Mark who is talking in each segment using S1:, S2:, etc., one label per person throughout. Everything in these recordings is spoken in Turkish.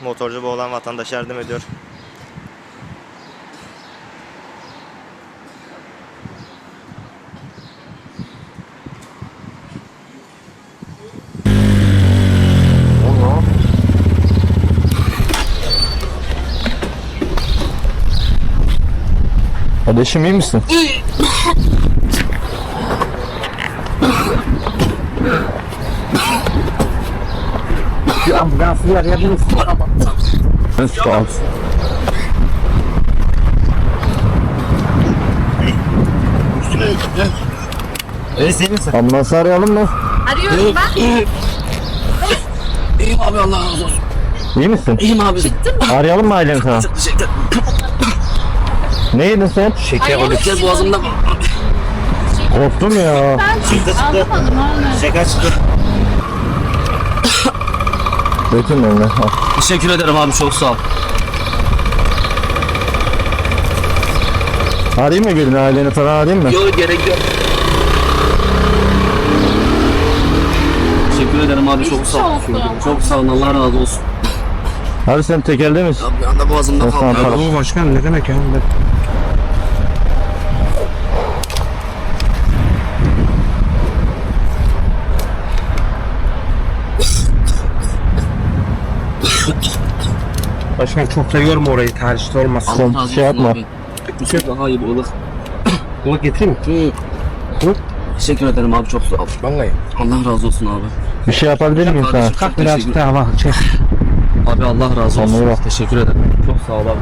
S1: motorcu boğulan vatandaşa yardım ediyor.
S2: Kardeşim iyi misin?
S3: Bir ambulansı arayabilir misin?
S2: Sağ ol.
S3: Sen misin?
S2: Ambulansı arayalım mı?
S4: Arıyorum ben.
S3: İyiyim abi, Allah razı olsun.
S2: İyi misin?
S3: İyiyim abi.
S2: Arayalım mı aileni sana?
S3: Çok teşekkür ederim.
S2: Ne yedin sen?
S3: Şeker oldu. Kez boğazımda.
S2: Korktum ya.
S4: Anlamadım anne.
S1: Şeker çıktı.
S2: Bütün eline.
S3: Teşekkür ederim abi, çok sağ ol.
S2: Arayayım mı birini, aileni falan arayayım mı?
S3: Yok, gerek yok. Teşekkür ederim abi, çok sağ ol. Çok sağ ol, Allah razı olsun.
S2: Abi sen tekelde misin?
S3: Abi bir anda boğazımda
S2: Tamam,
S3: kaldı.
S2: tamam.
S5: Bu başkan ne demek ya? Başkan çok da yorma orayı, tercihte olmaz.
S3: Allah razı olsun
S2: Şey yapma.
S3: abi. Bir şey daha iyi bu ılık.
S5: Bunu getireyim mi?
S3: Teşekkür ederim abi, çok sağ ol.
S5: Vallahi.
S3: Allah razı olsun abi.
S2: Bir şey yapabilir miyim sana?
S3: Kardeşim,
S5: Kalk
S3: çok
S5: birazcık
S3: teşekkür-
S5: daha bak. Çek.
S3: Abi Allah razı olsun.
S2: Allah'a bak.
S3: Teşekkür ederim. Çok sağ ol abi.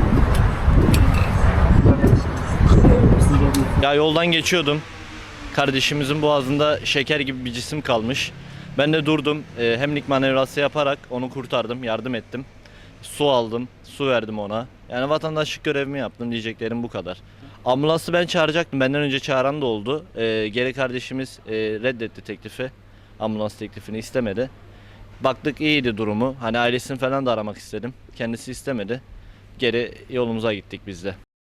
S6: Ya yoldan geçiyordum. Kardeşimizin boğazında şeker gibi bir cisim kalmış. Ben de durdum. Hemlik manevrası yaparak onu kurtardım, yardım ettim. Su aldım, su verdim ona. Yani vatandaşlık görevimi yaptım, diyeceklerim bu kadar. Ambulansı ben çağıracaktım. Benden önce çağıran da oldu. Geri kardeşimiz reddetti teklifi. Ambulans teklifini istemedi. Baktık iyiydi durumu. Hani ailesini falan da aramak istedim. Kendisi istemedi. Geri yolumuza gittik biz de.